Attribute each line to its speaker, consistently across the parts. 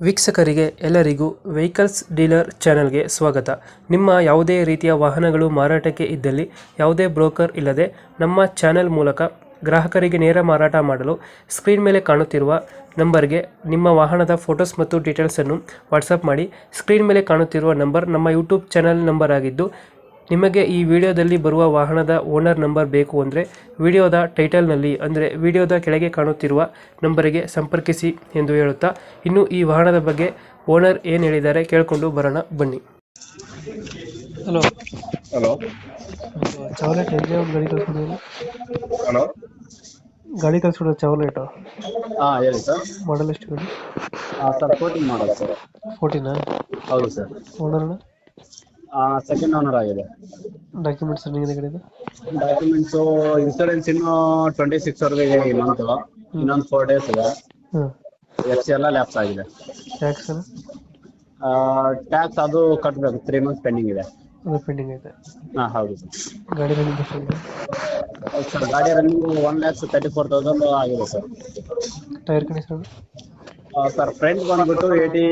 Speaker 1: ವೀಕ್ಷಕರಿಗೆ ಎಲ್ಲರಿಗೂ vehicles dealer ಚಾನೆಲ್ಗೆ ಸ್ವಾಗತ. ನಿಮ್ಮ ಯಾವುದೇ ರೀತಿಯ ವಾಹನಗಳು ಮಾರಾಟಕ್ಕೆ ಇದ್ದಲ್ಲಿ ಯಾವುದೇ ಬ್ರೋಕರ್ ಇಲ್ಲದೆ ನಮ್ಮ ಚಾನೆಲ್ ಮೂಲಕ ಗ್ರಾಹಕರಿಗೆ ನೇರ ಮಾರಾಟ ಮಾಡಲು ಸ್ಕ್ರೀನ್ ಮೇಲೆ ಕಾಣುತ್ತಿರುವ ನಂಬರ್ಗೆ ನಿಮ್ಮ ವಾಹನದ ಫೋಟೋಸ್ ಮತ್ತು ಡೀಟೇಲ್ಸನ್ನು ವಾಟ್ಸಪ್ ಮಾಡಿ. ಸ್ಕ್ರೀನ್ ಮೇಲೆ ಕಾಣುತ್ತಿರುವ ನಂಬರ್ ನಮ್ಮ ಯೂಟ್ಯೂಬ್ ಚಾನೆಲ್ ನಂಬರ್ ಆಗಿದ್ದು, ನಿಮಗೆ ಈ ವಿಡಿಯೋದಲ್ಲಿ ಬರುವ ವಾಹನದ ಓನರ್ ನಂಬರ್ ಬೇಕು ಅಂದರೆ ವಿಡಿಯೋದ ಟೈಟಲ್ನಲ್ಲಿ ಅಂದರೆ ವಿಡಿಯೋದ ಕೆಳಗೆ ಕಾಣುತ್ತಿರುವ ನಂಬರಿಗೆ ಸಂಪರ್ಕಿಸಿ ಎಂದು ಹೇಳುತ್ತಾ, ಇನ್ನು ಈ ವಾಹನದ ಬಗ್ಗೆ ಓನರ್ ಏನು ಹೇಳಿದ್ದಾರೆ ಕೇಳಿಕೊಂಡು ಬರೋಣ ಬನ್ನಿ. ಹಲೋ
Speaker 2: ಹಲೋ
Speaker 1: ಚಾವ್ಲೇಟ್ ಎಲ್ಲಿ ಒಂದು ಗಾಡಿ ಕಳಿಸ್ಕೊಡಿಲ್ಲ?
Speaker 2: ಹಲೋ
Speaker 1: ಗಾಡಿ ಕಳಿಸ್ಕೊಡೋ ಚಾವ್ಲೇಟು
Speaker 2: ಹಾಂ ಹೇಳಿ ಸರ್.
Speaker 1: ಮಾಡಲ್ ಎಷ್ಟು ಗಾಡಿ?
Speaker 2: ಸರ್ 14 ಮಾಡಲ್ಲ ಸರ್.
Speaker 1: 14?
Speaker 2: ಹೌದು ಸರ್.
Speaker 1: ಓನರ್ನ
Speaker 2: ಸೆಕೆಂಡ್ ಓನರ್ ಆಗಿದೆ.
Speaker 1: ಡಾಕ್ಯುಮೆಂಟ್ಸ್ ರನ್ನಿಂಗ್ ಇದೆ ಗಾಡಿದು?
Speaker 2: ಡಾಕ್ಯುಮೆಂಟ್ಸು ಇನ್ಸೂರೆನ್ಸ್ ಇನ್ನೂ 26 ವರೆಗೆ ಇದೆ. ಇನ್ನೊಂದು 4 ಡೇಸ್ ಇದೆ.
Speaker 1: ಹಾಂ.
Speaker 2: FC ಎಲ್ಲ ಲ್ಯಾಪ್ಸ್ ಆಗಿದೆ.
Speaker 1: ಟ್ಯಾಕ್ಸ್
Speaker 2: ಟ್ಯಾಕ್ಸ್ ಅದು ಕಟ್ಟಬೇಕು, 3 ಮಂತ್ಸ್ ಪೆಂಡಿಂಗ್ ಇದೆ.
Speaker 1: ಅದು ಪೆಂಡಿಂಗ್ ಐತೆ.
Speaker 2: ಹಾಂ ಹೌದು ಸರ್.
Speaker 1: ಗಾಡಿ ರನ್ನಿಂಗ್ ಎಷ್ಟಾಗಿದೆ?
Speaker 2: ಹೌದು ಸರ್, ಗಾಡಿ ರನ್ನಿಂಗ್ 1,34,000 ಆಗಿದೆ sir.
Speaker 1: Tyre condition?
Speaker 2: Sir front ಬಂದ್ಬಿಟ್ಟು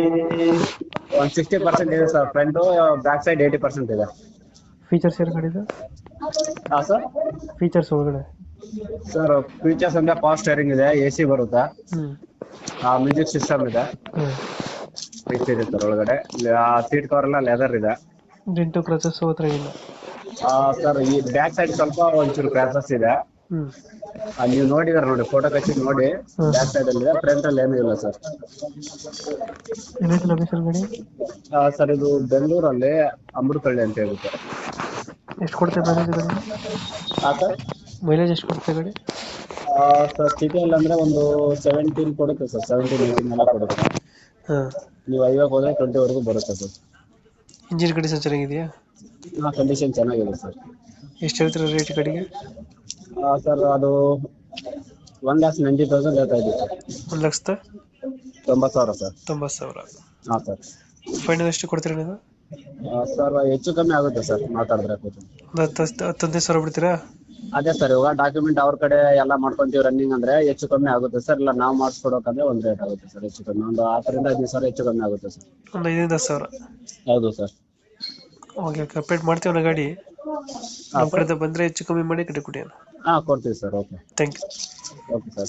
Speaker 2: 60% ಇದೆ ಸರ್. ಫ್ರಂಟು, ಬ್ಯಾಕ್ ಸೈಡ್ 80% ಇದೆ.
Speaker 1: ಫೀಚರ್ಸ್ ಏನು ಗಾಡಿದು?
Speaker 2: ಹಾಂ ಸರ್.
Speaker 1: ಫೀಚರ್ಸ್ ಒಳಗಡೆ
Speaker 2: ಸರ್ ಫೀಚರ್ಸ್ ಅಂದ್ರೆ ಪವರ್ ಸ್ಟೇರಿಂಗ್ ಇದೆ, AC ಬರುತ್ತೆ, ಮ್ಯೂಸಿಕ್ ಸಿಸ್ಟಮ್ ಇದೆ, ಇಷ್ಟು ಇದೆ ಸರ್. ಒಳಗಡೆ ಸೀಟ್ ಕವರ್ ಎಲ್ಲ ಲೆದರ್ ಇದೆ.
Speaker 1: ಡೆಂಟು ಕ್ರಚಸ್ ಹತ್ರ ಇಲ್ಲ?
Speaker 2: ಸರ್ ಈ ಬ್ಯಾಕ್ ಸೈಡ್ ಸ್ವಲ್ಪ ಒಂಚೂರು ಕ್ರ್ಯಾಚಸ್ ಇದೆ. ನೀವು ನೋಡಿದಾರೆ ನೋಡಿ, ಫೋಟೋ ಕಚ್ಚಿ ನೋಡಿ. ಬ್ಯಾಕ್ ಸೈಡ್ ಅಲ್ಲಿ ಇದೆ, ಫ್ರಂಟ್ ಅಲ್ಲಿ ಏನೂ ಇಲ್ಲ ಸರ್.
Speaker 1: ಏನೈತೆ ಲೊಕೇಶನ್ ಗಾಡಿ?
Speaker 2: ಸರ್ ಇದು ಬೆಂಗಳೂರಲ್ಲಿ ಅಮೃತಹಳ್ಳಿ ಅಂತ ಹೇಳುತ್ತೆ.
Speaker 1: ಎಷ್ಟು ಕೊಡ್ತೇವೆ ಮೈಲೇಜ್ ಗಾಡಿ?
Speaker 2: ಹಾಂ ಸರ್.
Speaker 1: ಮೈಲೇಜ್ ಎಷ್ಟು ಕೊಡ್ತೇವೆ ಗಾಡಿ?
Speaker 2: ಸರ್ ಸಿಟಿಯಲ್ಲಿ ಅಂದ್ರೆ ಒಂದು 17 ಕೊಡುತ್ತೆ ಸರ್. 17-18 ಎಲ್ಲ ಕೊಡುತ್ತೆ.
Speaker 1: ಹಾಂ.
Speaker 2: ನೀವು 50 ಹೋದ್ರೆ 20 ವರೆಗೂ ಬರುತ್ತೆ ಸರ್.
Speaker 1: ಇಂಜಿನ್ ಕಂಡೀಷನ್ ಚೆನ್ನಾಗಿದೆಯಾ?
Speaker 2: ಕಂಡೀಷನ್ ಚೆನ್ನಾಗಿದೆ ಸರ್.
Speaker 1: ಎಷ್ಟು ಹೇಳ್ತೀರ ರೇಟ್ ಗಾಡಿಗೆ?
Speaker 2: ಸರ್ ಅದು 1,90,000 ಹೇಳ್ತಾ ಇದ್ದೀವಿ ಸರ್.
Speaker 1: 1,90,000
Speaker 2: ಸರ್.
Speaker 1: 90,000.
Speaker 2: ಹಾಂ ಸರ್.
Speaker 1: ಫೈನಲ್ ಎಷ್ಟು ಕೊಡ್ತೀರಾ ನೀವು?
Speaker 2: ಸರ್ ಹೆಚ್ಚು ಕಮ್ಮಿ ಆಗುತ್ತೆ ಸರ್, ಮಾತಾಡಿದ್ರೆ.
Speaker 1: ಒಂದು 10-15,000 ಬಿಡ್ತೀರಾ?
Speaker 2: ಅದೇ ಸರ್, ಇವಾಗ ಡಾಕ್ಯುಮೆಂಟ್ ಅವ್ರ ಕಡೆ ಎಲ್ಲ ಮಾಡ್ಕೊಂತೀವಿ ರನ್ನಿಂಗ್ ಅಂದ್ರೆ ಹೆಚ್ಚು ಕಮ್ಮಿ ಆಗುತ್ತೆ ಸರ್. ಇಲ್ಲ ನಾವು ಮಾಡಿಸ್ಕೊಡೋಕಂದ್ರೆ ಒಂದು ರೇಟ್ ಆಗುತ್ತೆ ಸರ್. ಹೆಚ್ಚು ಕಮ್ಮಿ ಒಂದು 10,000-15,000 ಹೆಚ್ಚು ಕಮ್ಮಿ ಆಗುತ್ತೆ ಸರ್.
Speaker 1: ಒಂದು 5,000-10,000?
Speaker 2: ಹೌದು ಸರ್.
Speaker 1: ಓಕೆ, ಅಪ್ಡೇಟ್ ಮಾಡ್ತೀವಿ ಗಾಡಿ. ನಮ್ಮ ಕಡೆಯಿಂದ ಬಂದರೆ ಹೆಚ್ಚು ಕಮ್ಮಿ ಮಾಡಿ ಕಡೆ ಕೊಡಿ.
Speaker 2: ಕೊಡ್ತೀವಿ sir. Okay,
Speaker 1: thank you.
Speaker 2: Okay sir.